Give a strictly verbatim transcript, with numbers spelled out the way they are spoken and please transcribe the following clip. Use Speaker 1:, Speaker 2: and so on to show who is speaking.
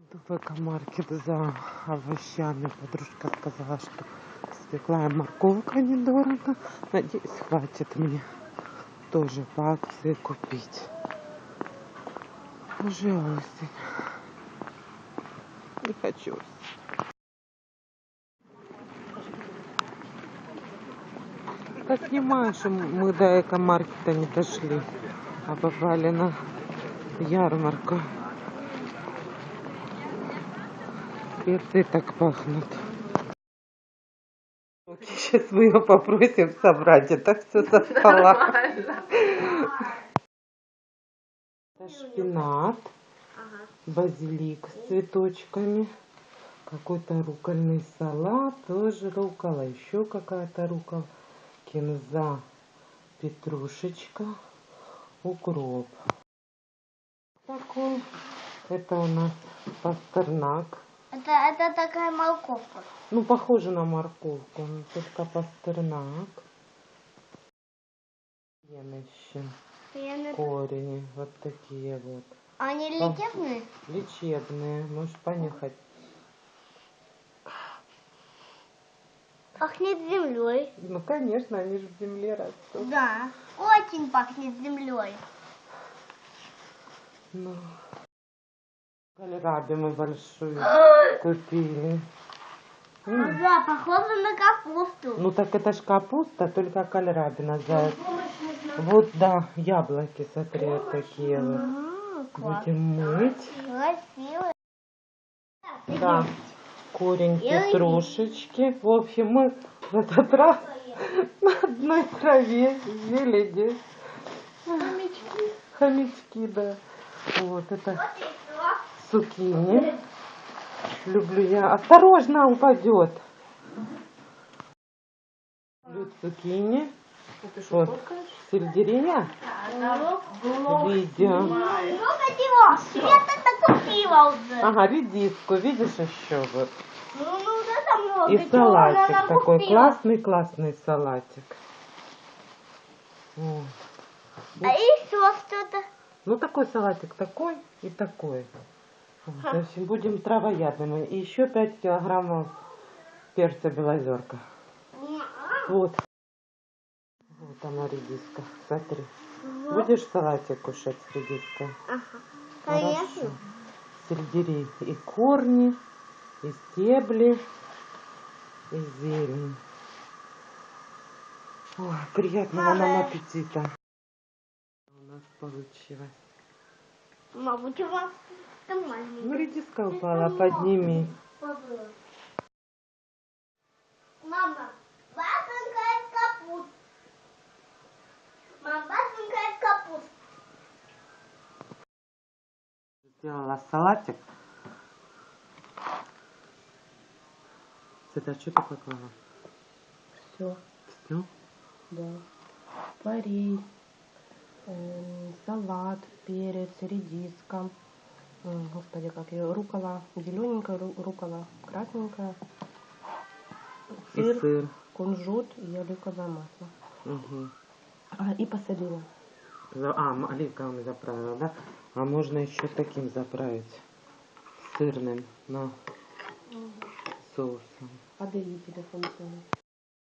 Speaker 1: Иду в экомаркет за овощами. Подружка сказала, что свекла и морковка недорого. Надеюсь, хватит мне тоже по акции купить. Уже осень. Не хочу. Так снимаю, что мы до экомаркета не дошли, а попали на ярмарку. Специи так пахнут. Сейчас мы ее попросим собрать, это все со стола. Это шпинат, базилик с цветочками, какой-то руккольный салат, тоже руккола, еще какая-то руккола, кинза, петрушечка, укроп. Такой. Это у нас пастернак.
Speaker 2: Это, это такая морковка.
Speaker 1: Ну, похоже на морковку, но только пастернак. Еще
Speaker 2: Я
Speaker 1: корени, вот такие вот.
Speaker 2: Они лечебные?
Speaker 1: Лечебные, можешь понюхать.
Speaker 2: Пахнет землей.
Speaker 1: Ну, конечно, они же в земле растут.
Speaker 2: Да, очень пахнет землей.
Speaker 1: Ну, кальраби мы большую купили.
Speaker 2: Ну, да, похоже на капусту.
Speaker 1: Ну, так это ж капуста, только кальраби называется. Вот, да, яблоки, смотри, вот такие вот. Будем мыть.
Speaker 2: Красиво.
Speaker 1: Да, корень петрушечки. В общем, мы в этот раз на одной траве зелени.
Speaker 2: Хомячки.
Speaker 1: Хомячки, да. Вот это цукини. Люблю я. Осторожно, упадет. Люблю цукини. Вот. Сельдерея. Видео. Ага, редиску. Видишь еще вот.
Speaker 2: Ну, ну, это много.
Speaker 1: И
Speaker 2: Чего
Speaker 1: салатик
Speaker 2: она
Speaker 1: такой.
Speaker 2: накупила?
Speaker 1: Классный, классный салатик. Вот.
Speaker 2: А еще что-то?
Speaker 1: Ну, такой салатик, такой и такой. Вот. В общем, будем травоядными. И еще пять килограммов перца белозерка. Вот. Вот она, редиска. Смотри.
Speaker 2: Вот.
Speaker 1: Будешь салатик кушать с редиской?
Speaker 2: Ага.
Speaker 1: Хорошо.
Speaker 2: Конечно.
Speaker 1: Сельдерей и корни, и стебли, и зелень. Ой, приятного нам аппетита. У нас получилось.
Speaker 2: Мабуть, у вас там
Speaker 1: Ну,
Speaker 2: маленький.
Speaker 1: редиска упала, подними.
Speaker 2: Мама, бабушка капуст. Мама, бабушка капуст.
Speaker 1: Сделала салатик. Это что ты поклала?
Speaker 3: Все,
Speaker 1: Все?
Speaker 3: да. Форель, э, салат, перец, редиска. М, Господи, как ее, рукола, зелененькая ру- рукола, красненькая.
Speaker 1: И
Speaker 3: Сыр,
Speaker 1: сыр.
Speaker 3: кунжут и оливковое масло.
Speaker 1: Угу.
Speaker 3: А, и посолила.
Speaker 1: А, м- оливковым заправила, да? А можно еще таким заправить. Сырным, но соусом.
Speaker 3: Отдаю телефон.